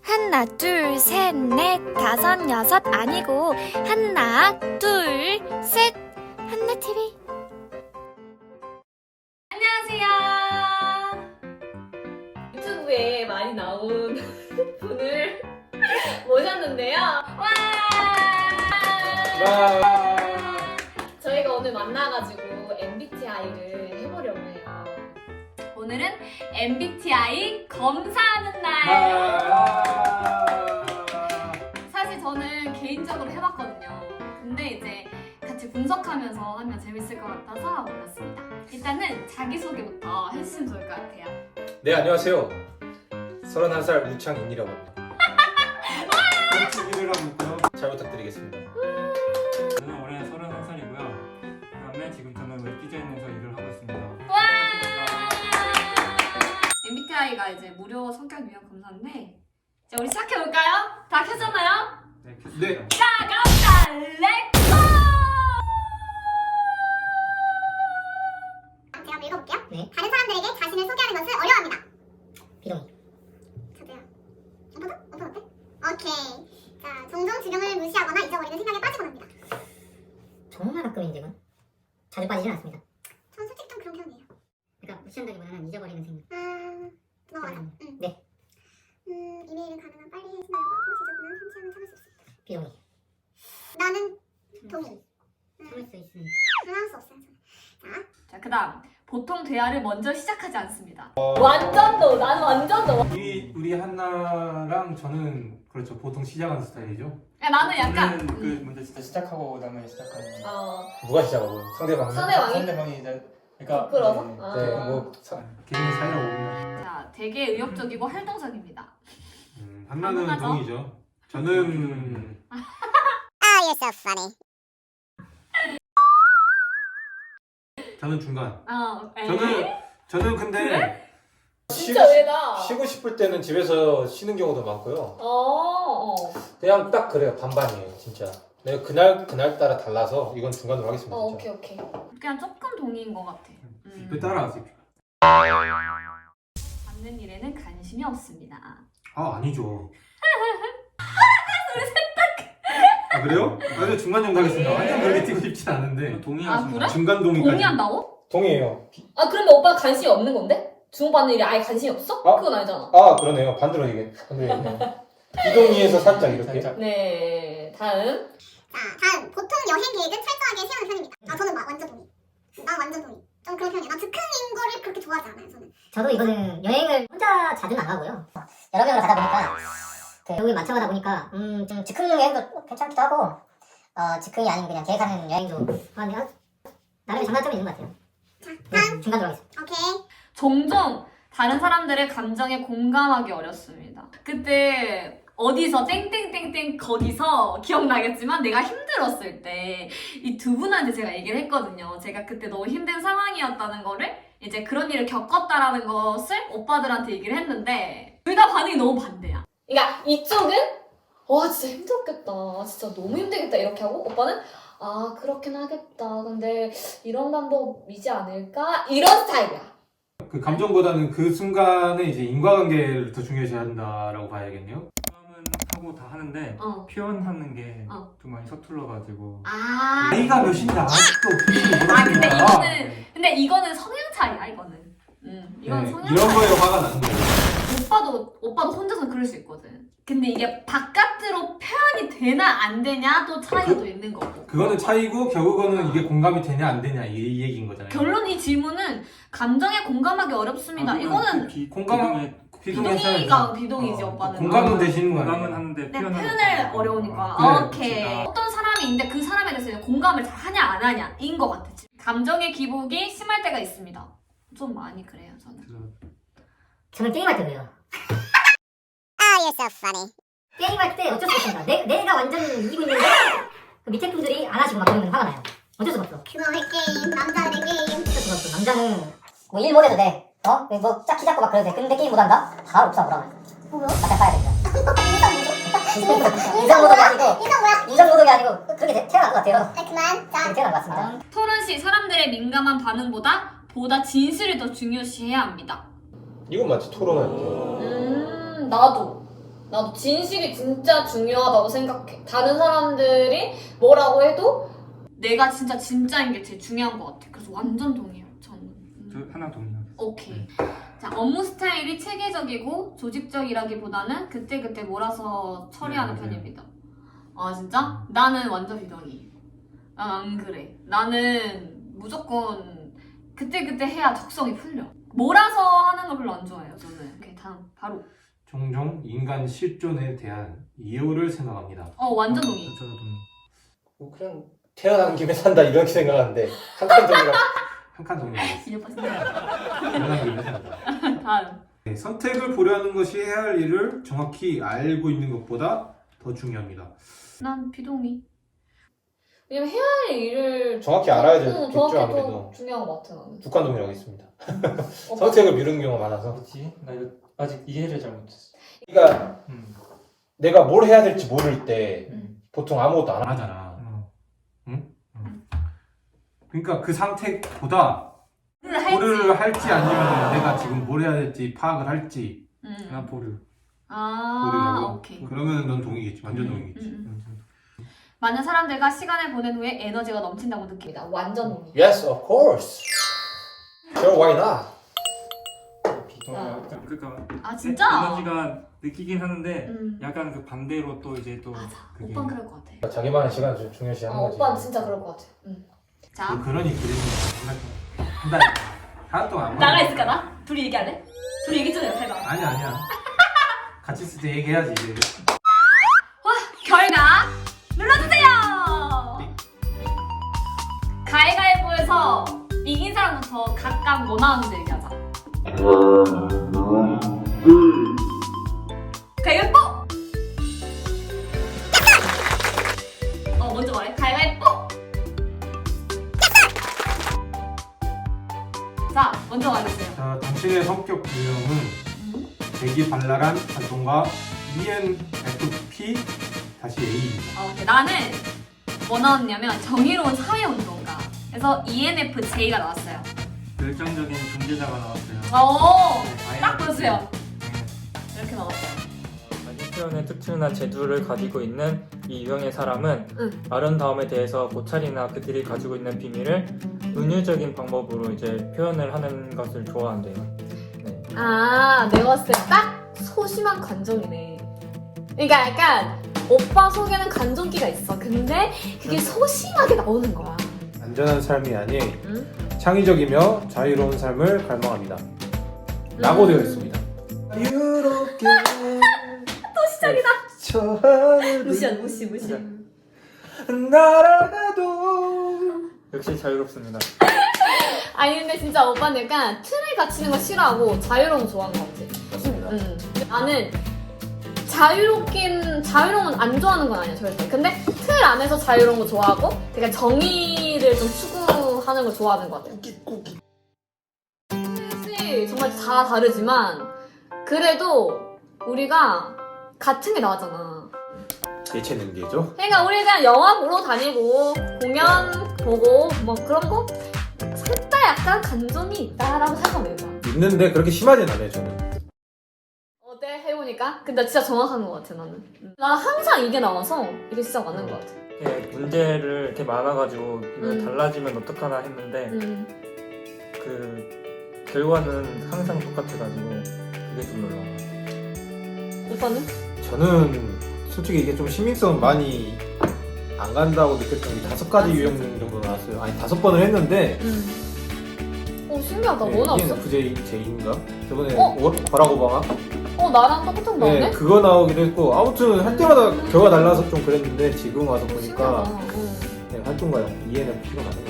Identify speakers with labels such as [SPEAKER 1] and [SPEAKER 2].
[SPEAKER 1] 하나, 둘, 셋, 넷, 다섯, 여섯 아니고 하나, 둘, 셋, 한나TV. 안녕하세요. 유튜브에 많이 나온 분을 모셨는데요. 와! 저희가 오늘 만나가지고 MBTI를 해보려고 해요. 오늘은 MBTI 검사하는 날. 사실 저는 개인적으로 해봤거든요. 근데 이제 같이 분석하면서 하면 재밌을 것 같아서 몰랐습니다. 일단은 자기소개부터 해주시면 좋을 것 같아요.
[SPEAKER 2] 네, 안녕하세요. 31살 우창인이라고 합니다.
[SPEAKER 3] 일을 하고 있고요.
[SPEAKER 2] 잘 부탁드리겠습니다.
[SPEAKER 3] 저는 올해 31살이고요. 그다음에 지금 저는 웹 디자인에서 일을 하고 있습니다.
[SPEAKER 1] 와! MBTI가 이제 무료 성격 유형 검사인데 이제 우리 시작해볼까요? 다 켜졌나요?
[SPEAKER 3] 네, 켰습니다.
[SPEAKER 1] 자, 갑시다! 렛츠고!
[SPEAKER 4] 제가 한번 읽어볼게요.
[SPEAKER 5] 네.
[SPEAKER 4] 다른 사람들에게 자신을 소개하는 것을 어려워합니다.
[SPEAKER 5] 비동의.
[SPEAKER 4] 저도요. 오빠 어때? 오케이. 자, 종종 주변을 무시하거나 잊어버리는 생각에 빠지곤 합니다.
[SPEAKER 5] 정말 가끔인데 이건 자주 빠지진 않습니다.
[SPEAKER 4] 전 솔직히 좀 그런 편이에요.
[SPEAKER 5] 그러니까 무시한다기보다는 잊어버리는 생각.
[SPEAKER 4] 넘어가자.
[SPEAKER 5] 네.
[SPEAKER 4] 이메일은 가능한 빨리 해신하려고 하고 지저분한 편지함을 참을 수 있습니다.
[SPEAKER 5] 비동의.
[SPEAKER 4] 나는 동의.
[SPEAKER 5] 참을 수 있습니다.
[SPEAKER 4] 하나 수 없어요. 저는.
[SPEAKER 1] 자, 그 다음 보통 대화를 먼저 시작하지 않습니다. 완전 너! 나는 완전 너!
[SPEAKER 3] 우리 한나랑 저는 그렇죠. 보통 시작하는 스타일이죠.
[SPEAKER 1] 야, 나는 약간
[SPEAKER 6] 저는 그 먼저 진짜 시작하고 그다음에 시작하는
[SPEAKER 2] 누가 시작하고? 상대방이?
[SPEAKER 6] 상대방이 이제 그러니까
[SPEAKER 1] 부끄러워서?
[SPEAKER 6] 네.
[SPEAKER 1] 아.
[SPEAKER 2] 네, 뭐
[SPEAKER 3] 개인의 사이라고 봅니다.
[SPEAKER 1] 자, 되게 의욕적이고 활동적입니다.
[SPEAKER 3] 한나는
[SPEAKER 1] 한나죠?
[SPEAKER 3] 동이죠. 저는
[SPEAKER 4] You're so funny.
[SPEAKER 3] 저는 중간.
[SPEAKER 1] 에이?
[SPEAKER 3] 저는 근데
[SPEAKER 1] 그래? 진짜 왜다?
[SPEAKER 2] 쉬고 싶을 때는 집에서 쉬는 경우도 많고요.
[SPEAKER 1] 어.
[SPEAKER 2] 그냥 딱 그래요. 반반이에요, 진짜. 내가 그날 따라 달라서 이건 중간으로 하겠습니다. 진짜.
[SPEAKER 1] 오케이. 그냥 조금 동의인 것 같아.
[SPEAKER 3] 그 따라가세요.
[SPEAKER 1] 받는 일에는 관심이 없습니다.
[SPEAKER 3] 아 아니죠. 아 그래요? 나도 중간 정도 하겠습니다. 완전 그렇게 뛰고 싶진 않은데
[SPEAKER 6] 동의하시는
[SPEAKER 1] 그래?
[SPEAKER 3] 중간 동의까지.
[SPEAKER 1] 동의한다고?
[SPEAKER 2] 동의해요.
[SPEAKER 1] 아, 그러면 오빠 관심이 없는 건데? 주고받는 일에 아예 관심이 없어?
[SPEAKER 2] 아?
[SPEAKER 1] 그건 아니잖아.
[SPEAKER 2] 아, 그러네요. 반대로 얘기했네. 비동의에서 살짝 이렇게.
[SPEAKER 6] 살짝.
[SPEAKER 1] 네, 다음.
[SPEAKER 4] 자, 다음. 보통 여행 계획은 철저하게 세우는 편입니다. 저는 완전 동의. 난 완전 동의. 좀 그런 편이에요. 난 즉흥인 거를 그렇게 좋아하지 않아요, 저는.
[SPEAKER 5] 저도 이거는 여행을 혼자 자주는 안 가고요. 여러 명으로 가다 보니까 여기 맞춰가다 보니까 좀 즉흥 여행도 괜찮기도 하고 즉흥이 아닌 그냥 계획하는 여행도 하면 나름의 장단점이 있는 것 같아요.
[SPEAKER 4] 자,
[SPEAKER 5] 네,
[SPEAKER 4] 다음.
[SPEAKER 5] 중간으로 하겠습니다.
[SPEAKER 4] 오케이.
[SPEAKER 1] 종종 다른 사람들의 감정에 공감하기 어렵습니다. 그때 어디서 땡땡땡땡 거기서 기억나겠지만 내가 힘들었을 때 이 두 분한테 제가 얘기를 했거든요. 제가 그때 너무 힘든 상황이었다는 거를 이제 그런 일을 겪었다라는 것을 오빠들한테 얘기를 했는데 둘 다 반응이 너무 반대야. 그러니까 이쪽은 와 진짜 힘들었겠다. 진짜 너무 힘들겠다 이렇게 하고 오빠는 아 그렇긴 하겠다. 근데 이런 방법이지 않을까? 이런 스타일이야.
[SPEAKER 3] 그 감정보다는 그 순간에 이제 인과관계를 더 중요시 한다라고 봐야겠네요.
[SPEAKER 6] 마음은 하고 다 하는데
[SPEAKER 1] 어.
[SPEAKER 6] 표현하는 게
[SPEAKER 1] 어.
[SPEAKER 6] 좀 많이 서툴러가지고
[SPEAKER 1] 아.
[SPEAKER 3] 나이가 몇인데 아직도 표현을
[SPEAKER 1] 아 근데
[SPEAKER 3] 못하시니까.
[SPEAKER 1] 이거는 성향 차이야 이거는. 이건
[SPEAKER 3] 네,
[SPEAKER 1] 성향
[SPEAKER 3] 이런
[SPEAKER 1] 차이.
[SPEAKER 3] 거에 화가 나는 거예요.
[SPEAKER 1] 오빠도 혼자서 그럴 수 있거든. 근데 이게 바깥으로 표현이 되나 안 되냐도 차이가 또 있는 거고.
[SPEAKER 3] 그거는 차이고 결국은 이게 공감이 되냐 안 되냐 이 얘기인 거잖아요.
[SPEAKER 1] 결론 이 질문은 감정에 공감하기 어렵습니다. 이거는 비동의가 비동이지 오빠는.
[SPEAKER 3] 공감은 되시는 거
[SPEAKER 6] 공감은
[SPEAKER 3] 아니에요?
[SPEAKER 6] 하는데
[SPEAKER 1] 네,
[SPEAKER 6] 표현을
[SPEAKER 1] 표현을
[SPEAKER 6] 못하고.
[SPEAKER 1] 어려우니까.
[SPEAKER 3] 그래,
[SPEAKER 1] 오케이.
[SPEAKER 6] 진짜.
[SPEAKER 1] 어떤 사람이 있는데 그 사람에 대해서 이제 공감을 잘 하냐 안 하냐인 것 같아. 감정의 기복이 심할 때가 있습니다. 좀 많이 그래요 저는.
[SPEAKER 5] 저는 게임할 때 그래요.
[SPEAKER 4] You're so funny.
[SPEAKER 5] 게임할 때 어쩔 수 없습니다. 내가 완전 이기고 있는데 그 밑에 분들이 안 하시고 막 그러면 화가 나요. 어쩔 수가 없어.
[SPEAKER 4] 그거의 게임, 남자들의 게임.
[SPEAKER 5] 어쩔 수가 없어. 남자는 뭐 일 못해도 돼. 뭐 짝키 잡고 막 그래도 돼. 근데 게임 못한다? 바로 옥상 오라고.
[SPEAKER 4] 뭐야?
[SPEAKER 5] 맞다 봐야 됩니다.
[SPEAKER 4] 인성
[SPEAKER 5] 노동이 아니고
[SPEAKER 4] 인성 뭐야?
[SPEAKER 5] 인성 노동이 아니고 그렇게 태어난 것 같아요.
[SPEAKER 4] 그만. 자,
[SPEAKER 5] 그렇게 태어난 것 같습니다.
[SPEAKER 1] 토론 시 사람들의 민감한 반응보다 진실을 더 중요시해야 합니다.
[SPEAKER 2] 이건 마치 토론할 때.
[SPEAKER 1] 나도. 나도 진실이 진짜 중요하다고 생각해. 다른 사람들이 뭐라고 해도 내가 진짜인 게 제일 중요한 것 같아. 그래서 완전 동의해요. 저는.
[SPEAKER 3] 저 하나 동의하겠습니다.
[SPEAKER 1] 오케이. 자, 업무 스타일이 체계적이고 조직적이라기보다는 그때그때 몰아서 처리하는
[SPEAKER 3] 네, 맞아요.
[SPEAKER 1] 편입니다. 아, 진짜? 나는 완전 비동의. 난 안 그래. 나는 무조건 그때그때 해야 적성이 풀려. 몰아서 하는 걸 별로 안 좋아해요, 저는. 오케이, 다음. 바로.
[SPEAKER 2] 종종 인간 실존에 대한 이유를 생각합니다.
[SPEAKER 1] 완전 동의.
[SPEAKER 3] 저도 동의.
[SPEAKER 2] 뭐 그냥 태어난 김에 산다 이렇게 생각하는데 한칸 동이라 한칸 동이라고.
[SPEAKER 1] 이제 빠진다.
[SPEAKER 2] 태어난 김에 산다.
[SPEAKER 1] 다음.
[SPEAKER 2] 네, 선택을 보려는 것이 해야 할 일을 정확히 알고 있는 것보다 더 중요합니다.
[SPEAKER 1] 난 비동의. 왜냐면 해야 할 일을
[SPEAKER 2] 정확히 알아야 될
[SPEAKER 1] 정확히
[SPEAKER 2] 겠죠
[SPEAKER 1] 더
[SPEAKER 2] 아무래도.
[SPEAKER 1] 중요한 것 같아, 나는.
[SPEAKER 2] 북한 동이라고 했습니다. 선택을 미루는 경우가 많아서.
[SPEAKER 3] 뭐지? 나 이거 아직 이해를 잘못했어.
[SPEAKER 2] 그러니까 내가 뭘 해야 될지 모를 때
[SPEAKER 1] 음.
[SPEAKER 2] 보통 아무것도 안 하잖아. 그러니까 그 상태보다 뭐를 할지 아니면 내가 지금 뭘 해야 될지 파악을 할지
[SPEAKER 3] 난 보류.
[SPEAKER 1] 아,
[SPEAKER 2] 모르려고.
[SPEAKER 1] 오케이.
[SPEAKER 2] 그러면 넌 동이겠지. 완전 동이겠지.
[SPEAKER 1] 많은 사람들과 시간을 보낸 후에 에너지가 넘친다고 느낍니다. 완전 동의.
[SPEAKER 2] Yes, of course. Sure, why not?
[SPEAKER 3] 그러니까
[SPEAKER 1] 아, 진짜?
[SPEAKER 3] 에너지가 느끼긴 하는데
[SPEAKER 1] 음.
[SPEAKER 3] 약간 그 반대로 또 이제 또
[SPEAKER 1] 맞아.
[SPEAKER 3] 그게
[SPEAKER 1] 오빠는 그럴 것 같아.
[SPEAKER 2] 자기만의 시간 좀 중요시하는 거지.
[SPEAKER 1] 오빠는 진짜 그럴 것 같아. 자,
[SPEAKER 2] 그러니 그림이 한달 동안 안
[SPEAKER 1] 나가
[SPEAKER 2] 보내.
[SPEAKER 1] 있을까 나? 둘이 얘기할래? 둘이 얘기 좀 해봐.
[SPEAKER 2] 아니야. 같이 있을 때 얘기해야지 이제.
[SPEAKER 1] 결과 눌러주세요. 가위가위보에서 이긴 사람부터 각각 뭐 나오는지 얘기하자. 가위바위보. 먼저 말해. 가위바위보. 자, 먼저 말해주세요.
[SPEAKER 2] 자, 당신의 성격 유형은 대기발랄한 활동가 ENFP 다시 A입니다.
[SPEAKER 1] 오케이. 나는 뭐 나왔냐면 정의로운 사회운동가. 그래서 ENFJ가 나왔어요.
[SPEAKER 3] 열정적인 존재자가 나왔어요.
[SPEAKER 1] 딱 보여주세요. 이렇게 나왔어요.
[SPEAKER 3] 자기 표현의 특징이나 재주를 가지고 있는 이 유형의 사람은
[SPEAKER 1] 응.
[SPEAKER 3] 아름다움에 대해서 고찰이나 그들이 가지고 있는 비밀을 은유적인 방법으로 이제 표현을 하는 것을 좋아한대요. 네.
[SPEAKER 1] 아, 내가 봤을 때 딱 소심한 감정이네. 그러니까 약간 오빠 속에는 감정기가 있어. 근데 그게 소심하게 나오는 거야.
[SPEAKER 2] 안전한 삶이 아닌
[SPEAKER 1] 응?
[SPEAKER 2] 창의적이며 자유로운 삶을 갈망합니다. 라고 되어 있습니다. 자유롭게
[SPEAKER 1] 또 시작이다.
[SPEAKER 2] 저 하늘을
[SPEAKER 1] 무시.
[SPEAKER 2] 날아가도
[SPEAKER 3] 역시 자유롭습니다.
[SPEAKER 1] 아니 근데 진짜 오빠는 약간 틀에 갇히는 거 싫어하고 자유로운 거 좋아하는 거 같아.
[SPEAKER 2] 맞습니다.
[SPEAKER 1] 나는 자유로운 건 안 좋아하는 건 아니야 절대. 근데 틀 안에서 자유로운 거 좋아하고 되게 정의를 좀 추구하는 걸 좋아하는 것 같아. 뜻이 정말 다 다르지만 그래도 우리가 같은 게 나왔잖아.
[SPEAKER 2] 예체능계죠?
[SPEAKER 1] 그러니까 우리 그냥 영화 보러 다니고 공연 보고 뭐 그런 거 살짝 약간 감정이 있다라고 생각하면 된다.
[SPEAKER 2] 있는데 그렇게 심하진 않아요 저는.
[SPEAKER 1] 어때? 해보니까? 근데 진짜 정확한 것 같아 나는. 나 항상 이게 나와서 이게 진짜 맞는 것 같아.
[SPEAKER 3] 이렇게 문제를 이렇게 많아가지고 이거 달라지면 어떡하나 했는데 그 결과는 항상 똑같아가지고 그게 좀 놀라워.
[SPEAKER 1] 오빠는?
[SPEAKER 2] 저는 솔직히 이게 좀 시민성은 많이 안 간다고 느꼈던 게 5가지 유형 정도 나왔어요. 아니 5번을 했는데
[SPEAKER 1] 오 신기하다.
[SPEAKER 2] 네,
[SPEAKER 1] 뭐 나왔어?
[SPEAKER 2] ENFJ인가? 저번에
[SPEAKER 1] 어?
[SPEAKER 2] 버락 오바마?
[SPEAKER 1] 나랑 똑같은 거 나오네?
[SPEAKER 2] 네, 그거 나오기도 했고 아무튼 할 때마다 결과 달라서 좀 그랬는데 지금 와서 보니까
[SPEAKER 1] 신기하다.
[SPEAKER 2] 네, 활동가요. ENFP가 맞는 것